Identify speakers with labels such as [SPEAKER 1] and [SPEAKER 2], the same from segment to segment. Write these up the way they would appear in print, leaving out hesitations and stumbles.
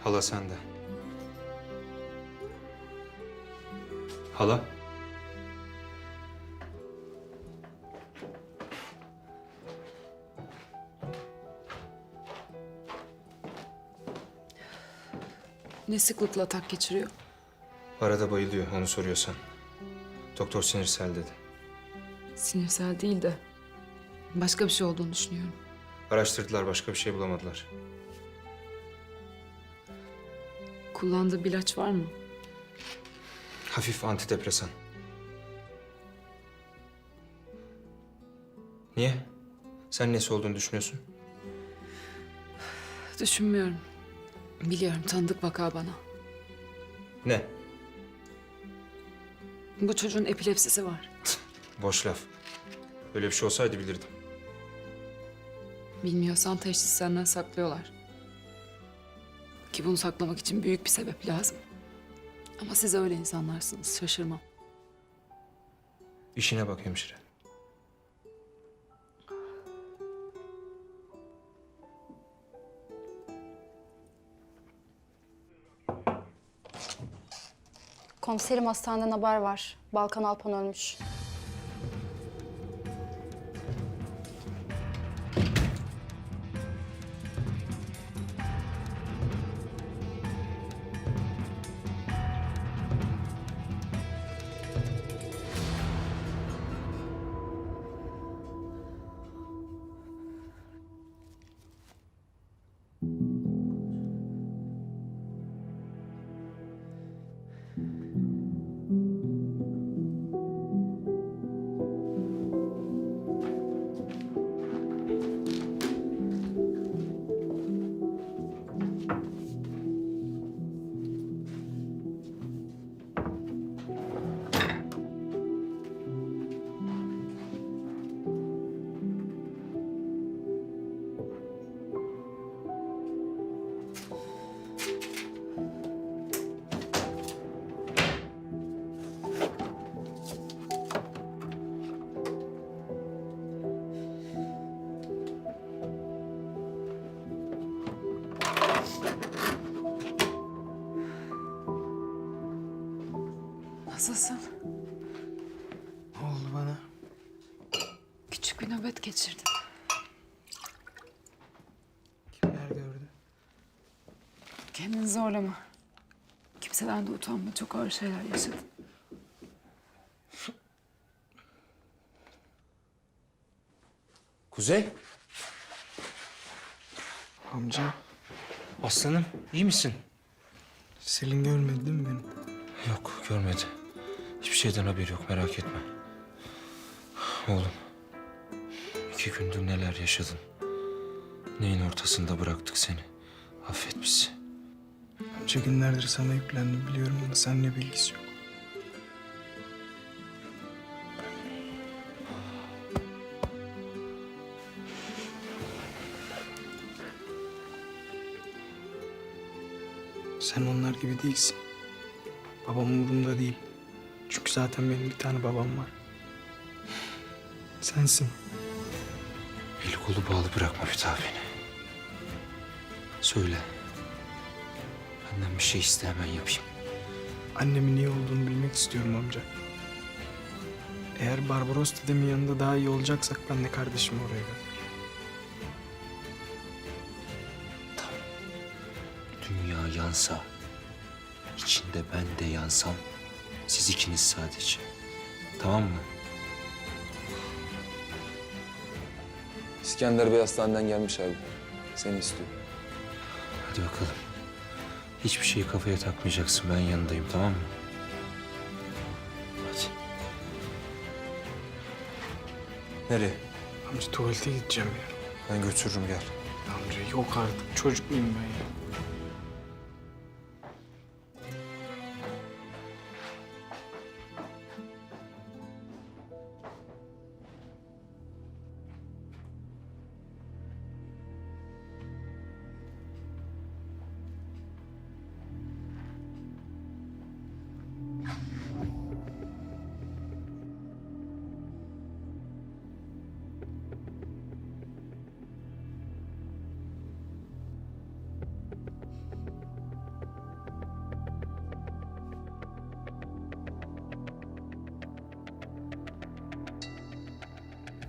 [SPEAKER 1] Hala sende. Hala?
[SPEAKER 2] Ne sıklıkla atak geçiriyor?
[SPEAKER 1] Arada bayılıyor, onu soruyorsan. Doktor sinirsel dedi.
[SPEAKER 2] Sinirsel değil de başka bir şey olduğunu düşünüyorum.
[SPEAKER 1] Araştırdılar, başka bir şey bulamadılar.
[SPEAKER 2] Kullandığı bir ilaç var mı?
[SPEAKER 1] Hafif antidepresan. Niye? Sen nesi olduğunu düşünüyorsun?
[SPEAKER 2] Düşünmüyorum. Biliyorum, tanıdık vaka bana.
[SPEAKER 1] Ne?
[SPEAKER 2] Bu çocuğun epilepsisi var.
[SPEAKER 1] Boş laf. Öyle bir şey olsaydı bilirdim.
[SPEAKER 2] Bilmiyorsan teşhis senden saklıyorlar. Ki bunu saklamak için büyük bir sebep lazım. Ama siz öyle insanlarsınız, şaşırmam.
[SPEAKER 1] İşine bak hemşire.
[SPEAKER 3] Komiserim, hastaneden haber var. Balkan Alpan ölmüş.
[SPEAKER 2] Nasılsın?
[SPEAKER 4] Ne oldu bana?
[SPEAKER 2] Küçük bir nöbet geçirdin.
[SPEAKER 4] Kimler gördü?
[SPEAKER 2] Kendini zorlama. Kimseden de utanma. Çok ağır şeyler yaşadın.
[SPEAKER 1] Kuzey,
[SPEAKER 4] Amca,
[SPEAKER 1] aslanım iyi misin?
[SPEAKER 4] Selin görmedi değil mi beni?
[SPEAKER 1] Yok, görmedi. Hiçbir şeyden haberi yok, merak etme. Oğlum, 2 gündür neler yaşadın? Neyin ortasında bıraktık seni? Affet bizi.
[SPEAKER 4] Amca, günlerdir sana yüklendim biliyorum ama seninle bilgisi yok. Sen onlar gibi değilsin. Babam umurumda değil. Çünkü zaten benim bir tane babam var. Sensin.
[SPEAKER 1] Eli kolu bağlı bırakma bir daha beni. Söyle. Benden bir şey iste, hemen yapayım.
[SPEAKER 4] Annemin iyi olduğunu bilmek istiyorum amca. Eğer Barbaros dedemin yanında daha iyi olacaksak ben de kardeşimi oraya gönder.
[SPEAKER 1] Dünya yansa, içinde ben de yansam, siz ikiniz sadece. Tamam mı?
[SPEAKER 5] İskender Bey hastaneden gelmiş abi. Seni istiyor.
[SPEAKER 1] Hadi bakalım. Hiçbir şeyi kafaya takmayacaksın, ben yanındayım, tamam mı? Hadi. Nereye?
[SPEAKER 4] Amca, tuvalete gideceğim ya.
[SPEAKER 1] Ben götürürüm, gel.
[SPEAKER 4] Amca yok artık. Çocuk muyum ben ya?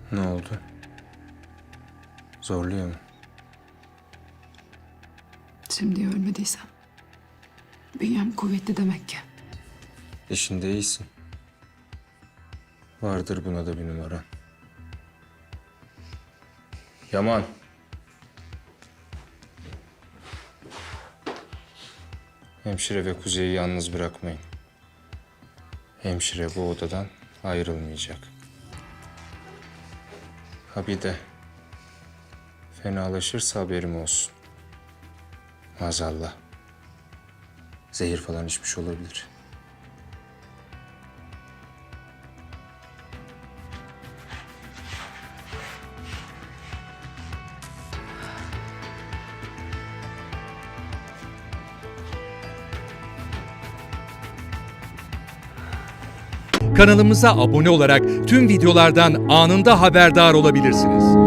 [SPEAKER 1] Ne oldu? Zorluyor mu?
[SPEAKER 2] Şimdi ölmediysem bünyem kuvvetli demek ki.
[SPEAKER 1] İşinde iyisin. Vardır buna da bir numara. Yaman. Hemşire ve Kuzey'i yalnız bırakmayın. Hemşire bu odadan ayrılmayacak. Ha bir de fenalaşırsa haberim olsun. Maazallah. Zehir falan içmiş olabilir.
[SPEAKER 6] Kanalımıza abone olarak tüm videolardan anında haberdar olabilirsiniz.